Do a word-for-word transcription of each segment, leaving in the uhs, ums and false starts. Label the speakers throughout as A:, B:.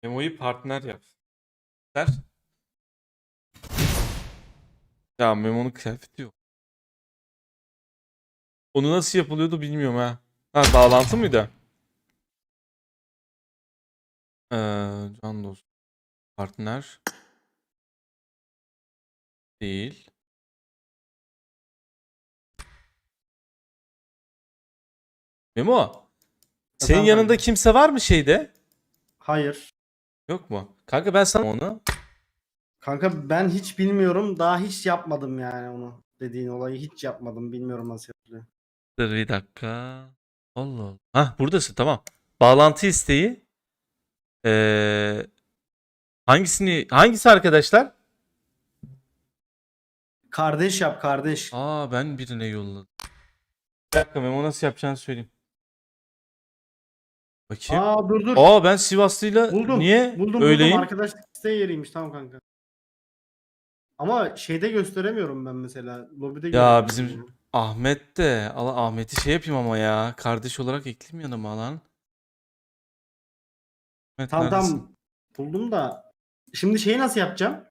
A: Memo'yu partner yap. Der. Ya Memo'nun kıyafeti yok. Onu nasıl yapılıyordu bilmiyorum ha. Ha bağlantı mıydı? Ee, can dost. Partner. Değil. Memo. Senin
B: Efendim
A: yanında
B: kanka.
A: kimse var mı şeyde?
B: Hayır.
A: Yok mu? Kanka ben sana onu.
B: Kanka ben hiç bilmiyorum. Daha hiç yapmadım yani onu. Dediğin olayı hiç yapmadım. Bilmiyorum nasıl yapılıyor.
A: Dur bir dakika. Allah Allah. Hah buradasın tamam. Bağlantı isteği. Ee, hangisini hangisi arkadaşlar?
B: Kardeş yap kardeş.
A: Aa ben birine yolladım. Bir dakika Memo nasıl yapacağını söyleyeyim. Bakayım.
B: Aa dur dur.
A: Aa ben Sivaslıyla
B: Buldum.
A: niye
B: Buldum buldum.
A: öyleyim?
B: Arkadaşlık isteği yeriymiş. Tamam kanka. Ama şeyde gösteremiyorum ben mesela. Lobide
A: Ya
B: göremiyorum
A: bizim
B: onu.
A: Ahmet de. Allah Ahmet'i şey yapayım ama ya. Kardeş olarak ekleyeyim yanıma lan. Ahmet
B: Tamam
A: neredesin?
B: tamam. Buldum da. Şimdi şeyi nasıl yapacağım?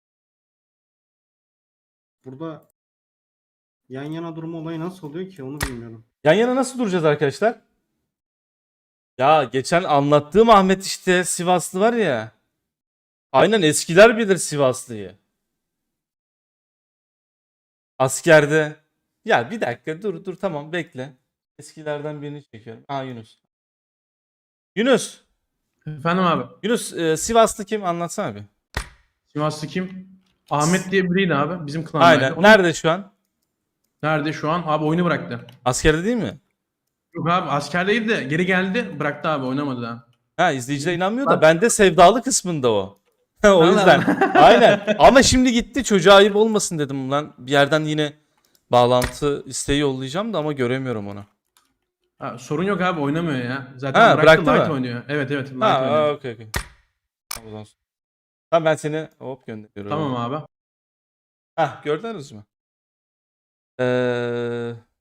B: Burada yan yana durma olayı nasıl oluyor ki onu bilmiyorum.
A: Yan yana nasıl duracağız arkadaşlar? Ya geçen anlattığım Ahmet işte Sivaslı var ya. Aynen eskiler bilir Sivaslı'yı. Askerde. Ya bir dakika dur dur tamam bekle. Eskilerden birini çekiyorum. Aa Yunus. Yunus.
C: Efendim abi.
A: Yunus e, Sivaslı kim anlatsana bir.
C: Sivaslı kim? Ahmet diye biriydi abi. Bizim klandaydı.
A: Aynen.
C: Onun
A: Nerede şu an?
C: nerede şu an? Abi oyunu bıraktı.
A: Askerde değil mi?
C: Yok abi askerdeydi de geri geldi. Bıraktı abi oynamadı daha.
A: Ha izleyiciler inanmıyor da
C: Bak-
A: bende sevdalı kısmında o. o
C: Allah
A: yüzden.
C: Allah.
A: Aynen. Ama şimdi gitti çocuğa ayıp olmasın dedim lan. Bir yerden yine bağlantı isteği yollayacağım da ama göremiyorum onu.
C: Ha, sorun yok abi oynamıyor ya. Zaten
A: Ha
C: bıraktı,
A: bıraktı
C: Light
A: mı?
C: oynuyor. Evet evet Light
A: Ha
C: oynuyor.
A: okey okey. Tamam, o zaman. Tamam ben seni hop gönderiyorum.
C: Tamam abi.
A: Hah gördünüz mü? Ee,